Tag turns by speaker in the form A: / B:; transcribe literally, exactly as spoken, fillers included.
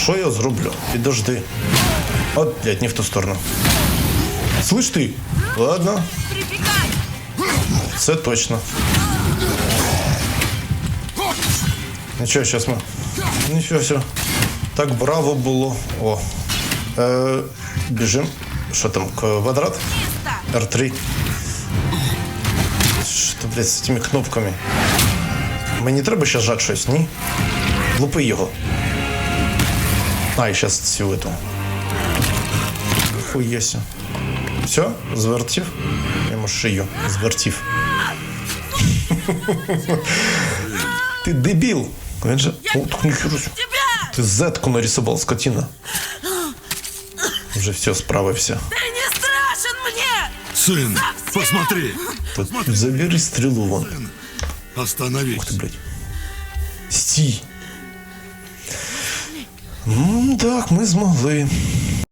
A: що я зроблю? Підожди. От, блядь, не в ту сторону. Слышь ти? Ладно. Це точно. Нічого, зараз ми... Нічого, все. Так браво було. О. Е, біжим. Що там, квадрат? Р три. Що, блядь, з цими кнопками? Мені треба ще жати щось, ні? Лупи його. А, і зараз цю эту. Хуєся. Все? Звертів? Йому шию. Звертів. Ти дебіл. Він же... О, так ніхера. Ти зетку нарисував, скотина. Уже все, справився.
B: Ты не страшен мне!
C: Сын, посмотри!
A: Тут забери стрелу вон.
C: Остановись.
A: Ух ты, блядь. Стій. М, так, ми змогли.